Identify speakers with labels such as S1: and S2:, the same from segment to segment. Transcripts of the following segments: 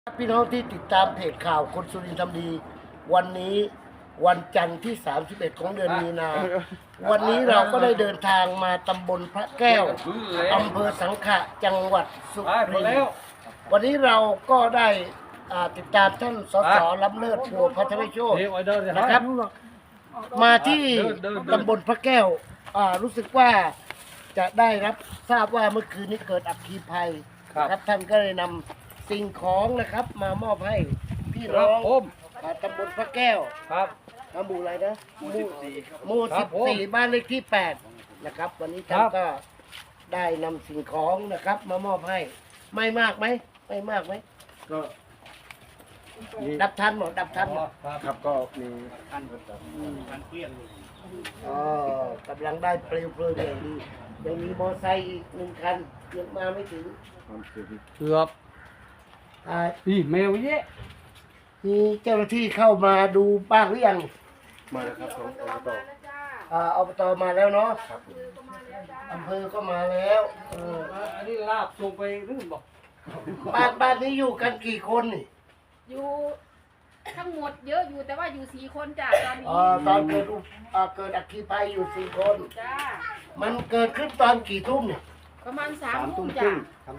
S1: พี่น้องที่ติดตามเพจข่าวคนสุรินทร์ทำดีวันนี้วันจันทร์ที่ 31 ของเดือนมีนา วันนี้เราก็ได้เดินทางมาตำบลพระแก้วอำเภอสังขะจังหวัดสุรินทร์วันนี้เราก็ได้ติดตามท่านสสล้ำเลิศพัวพัทรโชตินะครับ มาที่ตำบลพระแก้วรู้สึกว่าจะได้รับทราบว่าเมื่อคืนนี้เกิดอัคคีภัยครับท่านก็เลยนำสิ่งของนะครับมามอบให้พี่น้องตำบลพระแก้วครับหมู่อะไรนะหมู่14บ้านเลขที่8นะครับวันนี้ท่านก็ได้นำสิ่งของนะครับมามอบให้ไม่มากไหมไม่มากไหมก็ดับทันหมดดับทันหมด
S2: ครับก็มี
S1: การเปลี่ยนกำลังได้เปลวเพลิงอย่างดียังมีมอไซค์อีก1 คันยังมาไม่ถึง
S2: เกือบนี่แมวเยอะ
S1: มีเจ้าหน้าที่เข้ามาดูบ้างหรือยัง
S2: มาแล้วครับของ
S1: อบตมาแล้วเนาะอำเภอก็มาแล้ว
S2: อันนี้ลาบส่งไปหรือบอก
S1: บ้านนี้อยู่กันกี่คนนี่
S3: อยู่ทั้งหมดเยอะอยู่แต่ว่าอยู่4 คนจ้ะตอนนี้
S1: ตอนเกิดอัคคีภัยอยู่4 คน
S3: จ้า
S1: มันเกิดขึ้นตอนกี่ทุ่มเนี่ย
S3: ประมาณ3 ทุ่มจ้ะ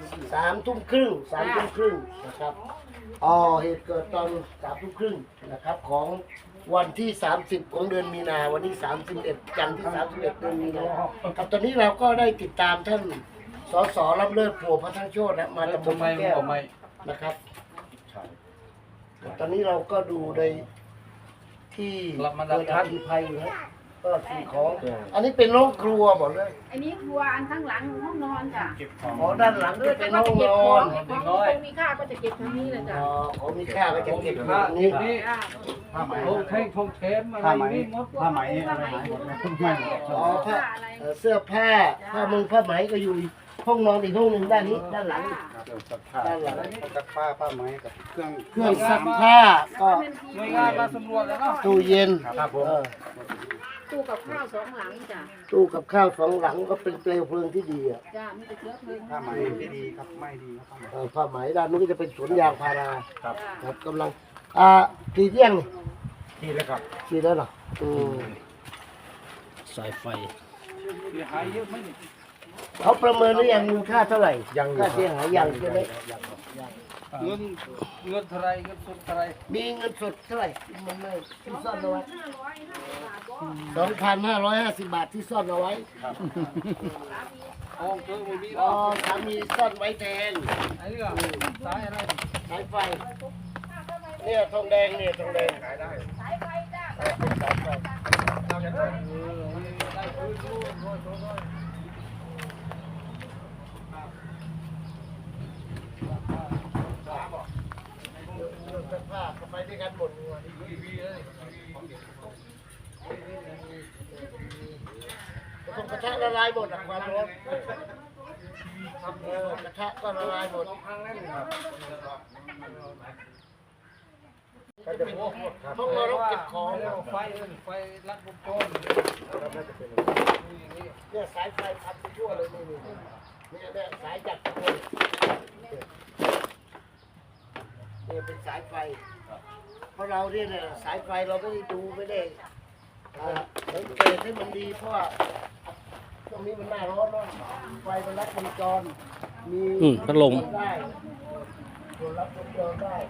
S1: 3 ทุ่มครึ่งนะครับเหตุเกิดตอน3 ทุ่มครึ่งนะครับของวันที่30ของเดือนมีนาวันที่31จันทร์ที่31เดือนมีนาครับตอนนี้เราก็ได้ติดตามท่านสสล้ำเลิศพัวพัทรโชติมาตำบลพระแก้วนะครับตอนนี้เราก็ดูในที่เกิดอัคคีภัยอยู่นะก็สิ่งของอันนี้เป็นห้องครัวบอกเลย
S3: อันนี้ครัวอันข้างหลังห้องนอนจ้ะ
S1: ด้านหลังจะเป็นห้องนอน
S3: ของมีค่าก็จะเก็บทางนี้เลยจ้ะ
S1: ของมีค่าก็จะเก็บทางนี้
S2: ผ้าไหมทองเทมอะไรนี่หมดผ้าไหมอะไรหมดเลย
S1: ผ้าเสื้อผ้าผ้าไหมก็อยู่ห้องนอนอีกห้องหนึ่งด้านนี้ด้านหลัง
S2: ซักผ้าไหมกับเค
S1: รื่องซักผ้าก็
S2: หน่วยงานมาสำรวจแล้วเนาะ
S1: ตู้เย็น
S2: ครับผม
S3: ตู้กับข้าว2 หลังจ้ะ
S1: ตู้กับข้าว2 หลังก็เป็นเปลวเพลิงที่ดีอ่ะ
S3: จ้ะมีแต่เชื้อเพลิง
S2: ผ้าไหมที่ดีครับไม่ดีครับ
S1: ผ้าไหมด้านนู้นก็จะเป็นสวนยางพาราครับกำลังกี่เที่ยง
S2: ที่แล้วครับ
S1: ที่แล้วเหรอสายไฟ
S2: เสียหายเยอะไหม
S1: เขาประเมินหรือยังมูลค่าเท่าไหร่ค่าเสียหายยังใช่ไหม
S2: เงินเท่าไรเงินสดเท่าไร
S1: มีเงินสดเท่าไหร่มันไม่ที่ซ่อนเอาไว้2,550 บาทที่ซ่อนเอาไว้สามีซ่อนไว้แทน
S2: อันนี้ก็สายอะไร
S1: สายไฟเนี่ยทองแดงเนี่ยทองแดงขายได้
S3: สายไฟจ้า
S1: สายไฟผ้าไปด้วยกันหมดกระทะละลายหมดความร้อนกระทะก็ละลายหมดห้องนอนเก็บของ
S2: ไฟรัดวงจร
S1: เนี่ยสายไฟพันไปทั่วเลยเนี่ยสายจัดเนี่ยเป็นสายไฟเพราะเราเนี่ยสายไฟเราไม่ได้ดูไม่ได้สังเกตให้มันดีเพราะว่าตรงนี้มันหน้าร้อนเนาะไฟมันรัดวงจรมี
S2: พัดลม
S1: ได้ส่วนรับวงจรได้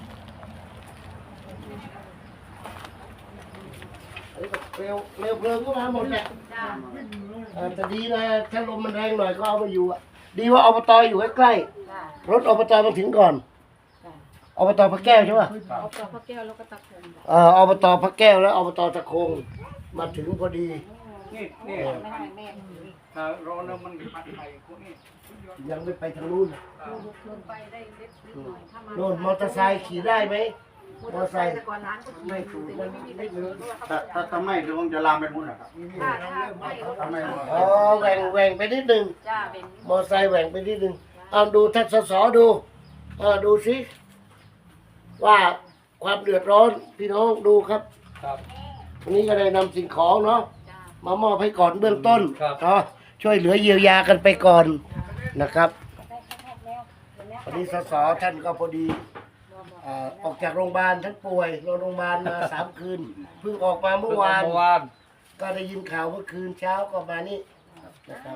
S1: เร็วเพลิงก็มาหมดแหละแต่ดีนะถ้าลมมันแรงหน่อยก็เอาไปอยู่ดีว่าอบตอยู่ใกล้ๆรถอบตมาถึงก่อนอบตพระแก้วใช่ป่ะ
S3: อบตพระแก้วแล้วก็ตะคง
S1: อบตพระแก้วแล้วอบตตะคงมาถึงพอดี
S2: นี่ถ้ารอเนมันปัดไปพวกนี้
S1: ยังไม่ไปทางนู้น
S3: ไปได้เล็กน้อยถ้ามา
S1: โน่นมอเตอร์ไซค์ขี่ได้ไหมมอเตอร์ไซค์
S3: ไม่ถูกมันไม่เยอะ
S2: ถ้าไม่เดี๋ยวคงจะลามไปมุ่นนะครับ
S3: ถ้าไม่
S1: แหว่งไปนิดนึงมอเตอร์ไซค์แหว่งไปนิดนึงเอาดูท่านสสดูสิว่าความเดือดร้อนพี่น้องดูครับวันนี้ก็ได้นำสิ่งของเนาะมามอบให้ก่อนเบื้องต้นช่วยเหลือเยียวยากันไปก่อนนะครับวันนี้สสท่านก็พอดีออกจากโรงพยาบาลท่านป่วยนอนโรงพยาบาลมา3 คืนเพิ่งออกมาเมื่อวาน ก็ได้ยินข่าวเมื่อคืนเช้าก็มานี่นะครับ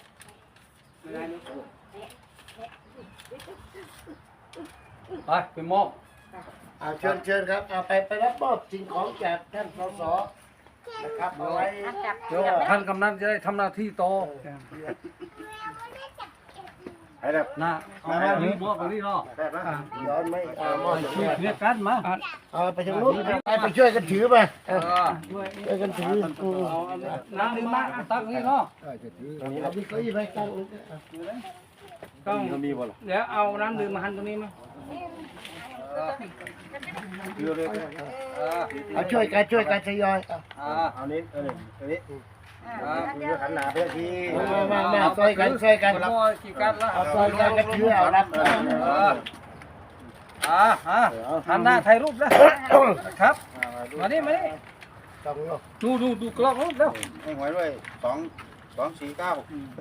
S2: ไปมอบ
S1: เชิญครับไปรับมอบสิ่งของจากท่านสสนะครับเอาไว้
S2: เดี๋ยวท่านกำนันจะได้ทำหน้าที่ต่อนะเอามอบไปนี่เนาะ
S1: ย้อนไหมมอบ
S2: ช่วยเคลียร์กันมา
S1: ไปทางนู้นไปช่วยกันถือไปช่วยกันถือ
S2: น้ำดื่มมาตั้งนี่เนาะ
S1: เอาพี่ก็ยี่ไปตั้ง
S2: ต้องเดี๋ยวเอาน้ำดื่มมาหันตรงนี้มา
S1: เอาช่วยกันทยอย
S2: เอานี้
S1: ขันหนาเพื่อที่มาช่วยกัน
S2: กี่กันละ
S1: เอาช่วยกันก็ถือเอารับ
S2: หันหน้าถ่ายรูปนะครับมานี่
S1: ต้อง
S2: ดูกล้องรูปแล้ว
S4: ให้หวยด้วย249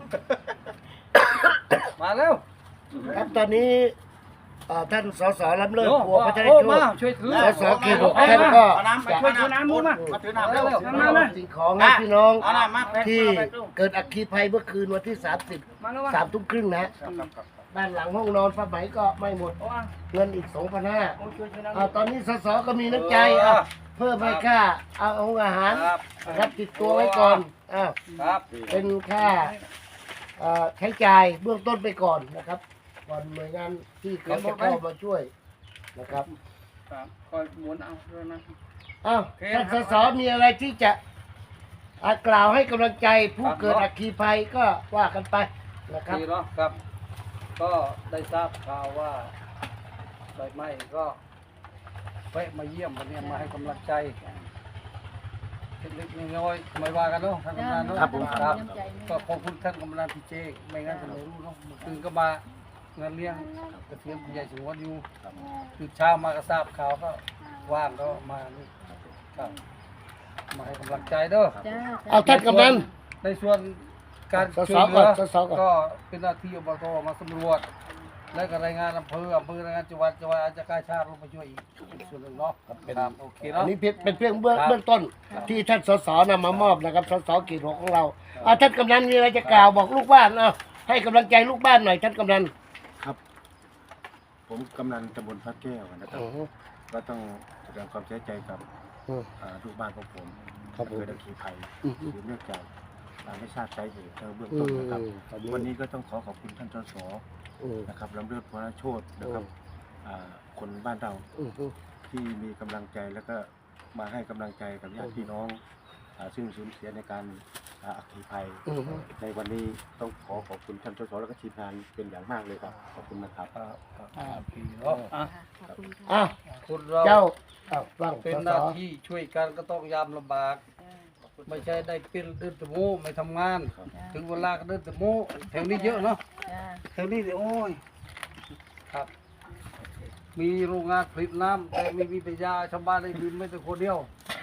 S2: มาแล้ว
S1: ครับตอนนี้ท่านสสล้ำเลิศ
S2: โอ้
S1: บัวพัฒนา
S2: มา
S1: โช
S2: ช่วยถือ
S1: สสเขต6ท่านก็
S2: ช่วยถือน้ำมือมา
S4: มาถือน้ำเร็ว
S1: มาสิ่งของให้พี่น้อง
S4: เอาน้ำมา
S1: ที่เกิดอัคคีภัยเมื่อคืนวันที่
S2: มาแล้ว
S1: 30 3 ทุ่มครึ่งนะบ้านหลังห้องนอนผ้าไหมก็ไม่หมดเงินอีก 2,500ตอนนี้สสก็มีน้ำใจเพิ่มให้ค่าเอาอาหารนะครับติดตัวไว้ก่อน
S2: ครับ
S1: เป็นค่าใช้จ่ายเบื้องต้นไปก่อนนะครับก่อนหน่วยงานที่เขาจะเข้ามาช่วยนะครับ
S2: คอยหมุนเอาด้วยนะ
S1: ท่านสสมีอะไรที่จะกล่าวให้กำลังใจผู้เกิดอัคคีภัยก็ว่ากันไปนะครับ
S2: ดีเนาะครับ ก็ได้ทราบข่าวว่าไฟไหม้ก็แวะมาเยี่ยมวันนี้มาให้กำลังใจเล็กๆน้อยๆไม่ว่ากันเนาะท่านกำนันเนาะครับก็ขอบคุณท่านกำนันพี่เจไม่งั้นจะไม่รู้เนาะเมื่อคืนก็มางานเลี้ยงกระเทียมผู้ใหญ่สูงวัยอยู่ตื่นเช้ามาก็ทราบข่าวก็ว่างก็มานี่ครับมาให้กำลังใจเด้อ
S1: เอาท่านกำนัน
S2: ในส่วนการ
S1: สส
S2: ช่วยเหลื
S1: ก่อน
S2: อ
S1: สสก่อน
S2: ก็เป็นหน้าที่อบตมาสำรวจ และก็รายงานอำเภอรายงานจังหวัดอาจจะกล้าชาติลงมาช่วยอีกส่วนหนึ่งเนาะครับโอเค
S1: อั
S2: เนาะ
S1: นนี้เป็นเพียงเบื้องต้นที่ท่านสสนำมามอบนะครับสสเขต 6ของเราท่านกำนันมีอะไรจะกล่าวบอกลูกบ้านให้กำลังใจลูกบ้านหน่อยท่านกำนัน
S4: ครับ ผมกำนันตำบลพระแก้วนะครับก็ต้องแสดงความเสียใจกับลูกบ้านของผมเกิดอัคคีภัยหรือเนื่องจากไม่ทราบสาเหตุเบื้องต้นนะครับวันนี้ก็ต้องขอบคุณท่านสสนะครับลำเลิศพรโชตินะครับคนบ้านเราที่มีกำลังใจแล้วก็มาให้กำลังใจกับญาติพี่น้องซึ่งสูญเสียในการอัคคีภัยในวันนี้ต้องขอบคุณท่านสสแล้วก็ทีมงานเป็นอย่างมากเลยครับขอบคุณนะครับ
S2: พี่เนาะคุณเรา
S1: เจ้าฟัง
S2: เป็นหน้าที่ช่วยกันก็ต้องยามลำบาก ไม่ใช่ได้เป็นเดินตะโมไม่ทำงาน ถึงเวลาก็เดินตะโมแถวนี้เยอะเนาะแถวนี้โอ้ยครับ มีโรงงานผลิตน้ำแต่ไม่มีปัญญาชาวบ้านได้ดื่มไม่แต่คนเดียว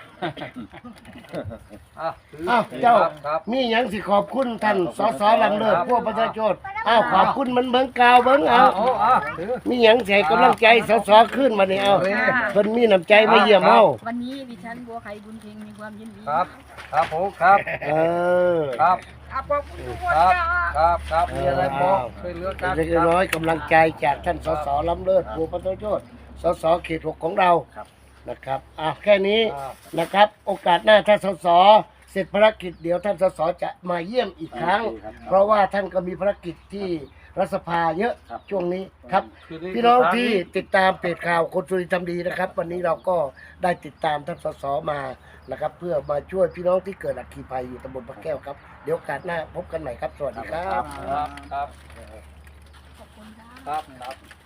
S1: เจ้า
S2: ครับ
S1: มีอย่างสิขอบคุณท่านสสลำเลิศพวกประชาชนขอบคุณมันเบิ่งกาวเบิ่งมีอย่างใส่กำลังใจสสขึ้นมาเนี่ยเพิ่นมีน้ำใจมาเยี่ยมเฮา
S5: วันนี้ดิฉันบัวไข่บุญเพ็งมีความยินดี
S2: ครับผมครับครับ
S5: ขอบคุณทุกคน
S2: ครับมีอะไรบอกช่วยเหลือกัน
S1: เล็กน้อยกำลังใจจากท่านสสลำเลิศพวกประชาชนสสเขต 6ของเรานะครับแค่นี้นะครับโอกาสหน้าถ้าสสเสร็จภารกิจเดี๋ยวท่านสสจะมาเยี่ยมอีกครั้ง เพราะว่าท่านก็มีภารกิจที่รัฐสภาเยอะช่วงนี้ครับพี่น้องที่ติดตามเพจข่าวคนสุรินทร์ทำดีนะครับ วันนี้เราก็ได้ติดตามท่านสสมานะครับเพื่อมาช่วยพี่น้องที่เกิดอัคคีภัยอยู่ตำบลพระแก้วครับเดี๋ยวโอกาสหน้าพบกันใหม่ครับสวัสดีครับ
S2: ครับ